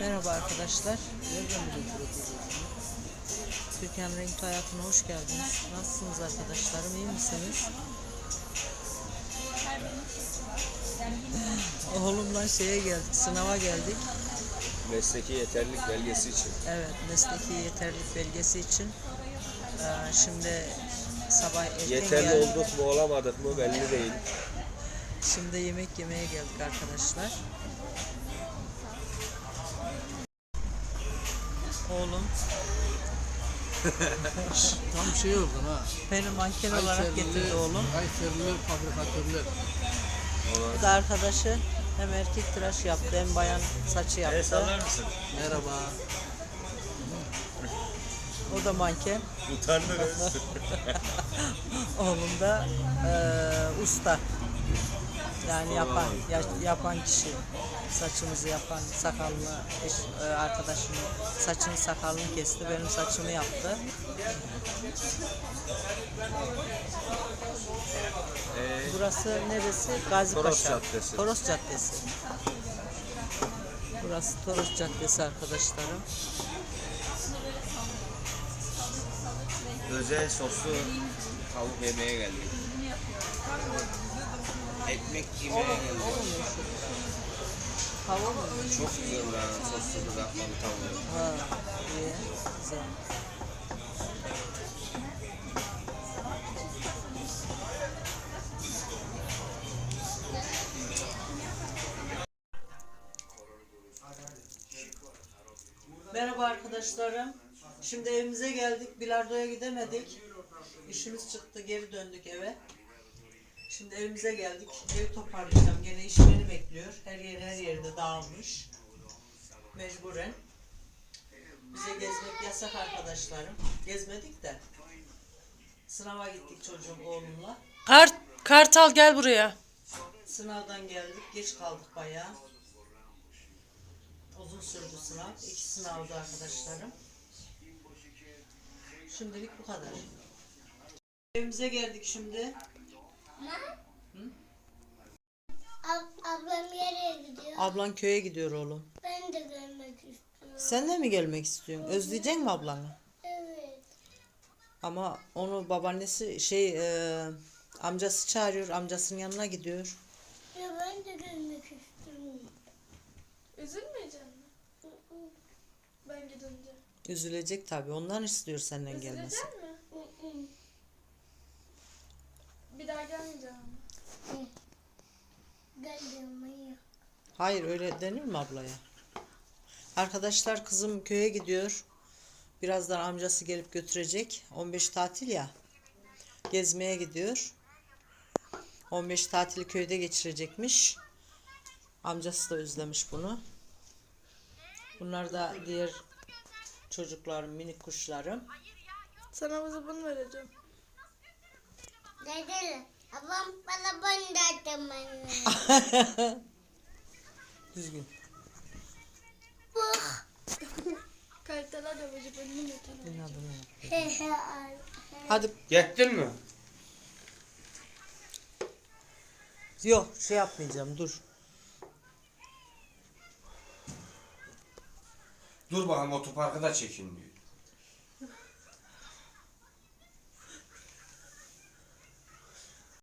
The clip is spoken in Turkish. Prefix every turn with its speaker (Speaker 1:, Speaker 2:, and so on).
Speaker 1: Merhaba arkadaşlar. Türkan Renkli Hayatı'na hoş geldiniz. Nasılsınız arkadaşlarım? İyi misiniz? Oğlumla geldik, sınava geldik.
Speaker 2: Mesleki yeterlilik belgesi için.
Speaker 1: Evet, mesleki yeterlilik belgesi için. Şimdi sabah erken
Speaker 2: Yeterli
Speaker 1: geldik.
Speaker 2: olduk mu olamadık mı belli değil.
Speaker 1: Şimdi yemek yemeye geldik arkadaşlar. Oğlum
Speaker 3: Tam şey oldun ha.
Speaker 1: beni manken olarak getirdi oğlum.
Speaker 3: Kayserili fabrikatörler.
Speaker 1: Bu da arkadaşı hem erkek tıraş yaptı hem bayan saçı yaptı.
Speaker 2: Sallar mısın?
Speaker 3: Merhaba.
Speaker 1: O da manken.
Speaker 2: Utandınız.
Speaker 1: Oğlum da usta. Yani yapan kişi. Saçımızı yapan, sakalını, arkadaşımın saçını sakalını kesti. Benim saçımı yaptı. Burası neresi? Gazi
Speaker 2: Toros
Speaker 1: Paşa.
Speaker 2: Caddesi.
Speaker 1: Toros Caddesi. Burası Toros Caddesi arkadaşlarım.
Speaker 2: Özel soslu tavuk yemeye geldik. Ekmek yemeye geldik.
Speaker 1: Hava mı?
Speaker 2: Çok güzel buranın soslu kızartmalı tavuğu.
Speaker 1: Ha, iyi. Güzel. Merhaba arkadaşlarım. Şimdi evimize geldik. Bilardoya gidemedik. İşimiz çıktı. Geri döndük eve. Şimdi evimize geldik. Evi toparlayacağım. Gene iş beni bekliyor. Her yerde dağılmış. Mecburen. Bize gezmek yasak arkadaşlarım. Gezmedik de. Sınava gittik çocuğum oğlumla.
Speaker 4: Kartal gel buraya.
Speaker 1: Sınavdan geldik. Geç kaldık bayağı. Uzun sürdü sınav. 2 sınavdı arkadaşlarım. Şimdilik bu kadar. Evimize geldik şimdi.
Speaker 5: Ablam nereye gidiyor?
Speaker 1: Ablan köye gidiyor oğlum.
Speaker 5: Ben de görmek istiyorum.
Speaker 1: Sen de mi gelmek istiyorsun? Özleyecek mi ablanı?
Speaker 5: Evet.
Speaker 1: Ama onu babaannesi amcası çağırıyor. Amcasının yanına gidiyor.
Speaker 5: Ya ben de görmek istiyorum.
Speaker 6: Üzülmeyecek mi? Ben gidince.
Speaker 1: Üzülecek tabii. Ondan istiyor senden gelmesi.
Speaker 6: Üzülecek mi? Bir daha gelmeyeceğim ama.
Speaker 5: Geldim ya.
Speaker 1: Hayır, öyle denir mi ablaya? Arkadaşlar, kızım köye gidiyor. Birazdan amcası gelip götürecek. 15 tatil ya. Gezmeye gidiyor. 15 tatili köyde geçirecekmiş. Amcası da özlemiş bunu. Bunlar da diğer çocuklarım, minik kuşlarım.
Speaker 6: Sana bunu vereceğim.
Speaker 5: Dede, ablam bana bandattı bana.
Speaker 1: Düzgün.
Speaker 6: Kayıtlara da vücut önünü götürün.
Speaker 1: İnadına yap. Hadi.
Speaker 2: Gittin mi?
Speaker 1: Yok, yapmayacağım. Dur.
Speaker 2: Dur bakalım otoparkı da çekin diyor.